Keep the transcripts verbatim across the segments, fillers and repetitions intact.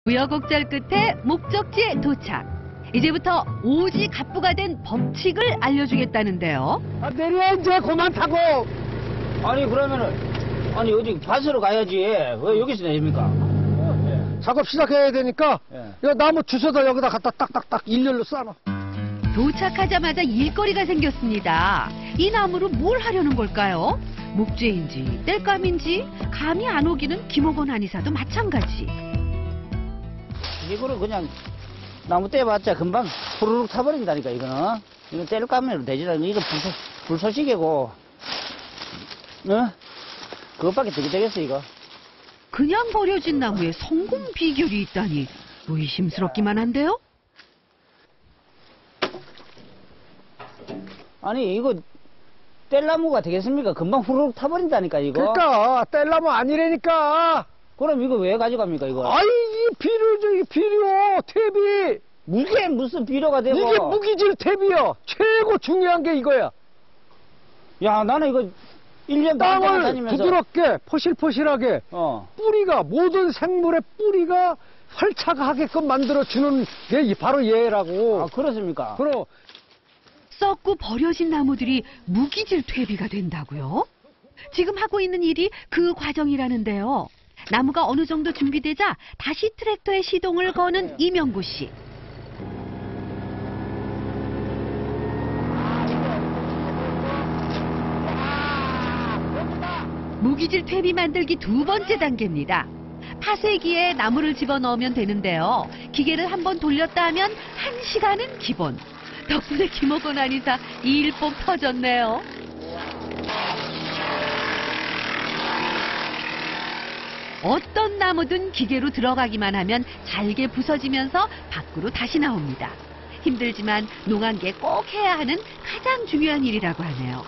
우여곡절 끝에 목적지에 도착. 이제부터 오지 갑부가 된 법칙을 알려주겠다는데요. 아, 내려 이제 그만 타고. 아니 그러면은 아니 어디 밭으로 가야지 왜 여기서 내립니까? 예. 작업 시작해야 되니까 예. 이 나무 주워다 여기다 갖다 딱딱딱 일렬로 쌓아. 도착하자마자 일거리가 생겼습니다. 이 나무로 뭘 하려는 걸까요? 목재인지 땔감인지 감이 안 오기는 김옥원 한의사도 마찬가지. 이거를 그냥 나무 떼봤자 금방 후루룩 타버린다니까 이거는. 이거 뗄감으로 되지라. 이거 불소, 불소식이고 어? 그것밖에 되게 되겠어 이거. 그냥 버려진 나무에 성공 비결이 있다니 의심스럽기만 한데요? 아니 이거 뗄나무가 되겠습니까? 금방 후루룩 타버린다니까 이거. 그러니까 뗄나무 아니라니까. 그럼 이거 왜 가져갑니까 이거? 아이 이 비료죠, 이 비료 탭이. 무게 무슨 비료가 되고. 이게 무기질 탭이요. 최고 중요한 게 이거야. 야 나는 이거 일 년 반 땅을 다니면서 부드럽게 포실포실하게 어. 뿌리가 모든 생물의 뿌리가 활착하게끔 만들어주는 게 바로 얘라고. 아 그렇습니까? 그럼 썩고 버려진 나무들이 무기질 퇴비가 된다고요? 지금 하고 있는 일이 그 과정이라는데요. 나무가 어느 정도 준비되자 다시 트랙터에 시동을 거는 이명구 씨. 무기질 퇴비 만들기 두 번째 단계입니다. 파쇄기에 나무를 집어넣으면 되는데요. 기계를 한번 돌렸다 하면 한 시간은 기본. 덕분에 김옥원 한의사 이 일복 터졌네요. 어떤 나무든 기계로 들어가기만 하면 잘게 부서지면서 밖으로 다시 나옵니다. 힘들지만 농한계 꼭 해야 하는 가장 중요한 일이라고 하네요.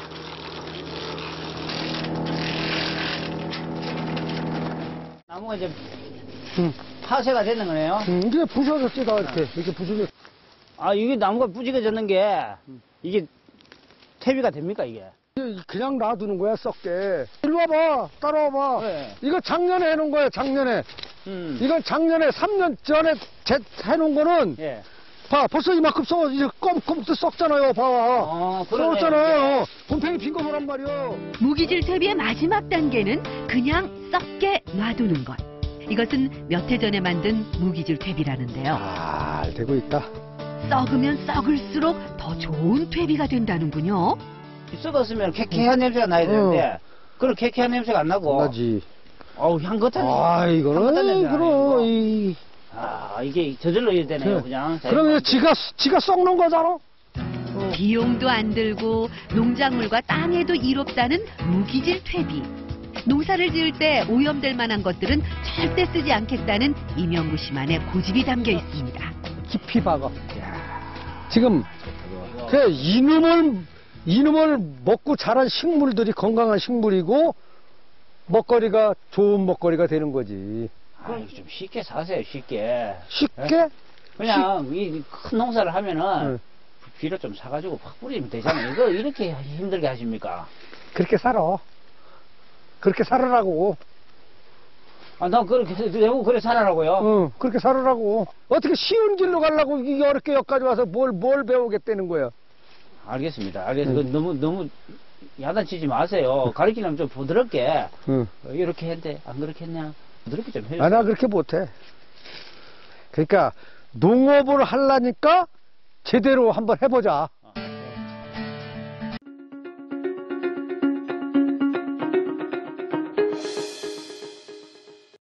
나무가 이제 응. 파쇄가 되는 거네요. 음, 이게 부서졌지 다 이렇게 이렇게 부서졌. 아 이게 나무가 부지겨졌는 게 이게 퇴비가 됩니까 이게? 그냥 놔두는 거야 썩게. 일로 와봐, 따라와봐. 네. 이거 작년에 해놓은 거야 작년에. 음. 이건 작년에 삼 년 전에 제, 해놓은 거는 예. 봐 벌써 이만큼 썩어 이제 껌껌도 썩잖아요. 봐. 어, 그러네. 썩었잖아요. 곰팡이 핀 거 보란 말이야. 무기질 퇴비의 마지막 단계는 그냥 썩게 놔두는 것. 이것은 몇 해 전에 만든 무기질 퇴비라는데요. 잘 되고 있다. 썩으면 썩을수록 더 좋은 퇴비가 된다는군요. 썩었으면 쾌쾌한 냄새가 나야 되는데 그런 쾌쾌한 냄새가 안 나고. 나지. 어우 향긋한 아 향긋한 이거는 냄새가 그럼 나네, 이. 아 이게 저절로 이래 되네요 그래. 그냥. 그러면 지가 지가 썩는 거잖아. 비용도 안 들고 농작물과 땅에도 이롭다는 무기질 퇴비. 농사를 지을 때 오염될 만한 것들은 절대 쓰지 않겠다는 이명구 씨만의 고집이 담겨 있습니다. 깊이 박아. 지금 그 이놈을 이놈을 먹고 자란 식물들이 건강한 식물이고 먹거리가 좋은 먹거리가 되는 거지. 아, 이거 좀 쉽게 사세요 쉽게. 쉽게? 예? 그냥 이 큰 농사를 하면은 응. 비료 좀 사가지고 팍 뿌리면 되잖아요. 이거 이렇게 힘들게 하십니까? 그렇게 살아. 그렇게 살아라고. 아, 나 그렇게 내고 그래 살아라고요? 응, 그렇게 살아라고. 어떻게 쉬운 길로 가려고 이게 어렵게 여기까지 와서 뭘, 뭘 배우겠다는 거야. 알겠습니다. 알겠습니다. 응. 그 너무 너무 야단치지 마세요. 가르치려면 좀 부드럽게. 응. 어, 이렇게 했는데 안 그렇게 했냐? 부드럽게 좀 해주세요. 아, 나 그렇게 못해. 그러니까 농업을 하려니까 제대로 한번 해보자.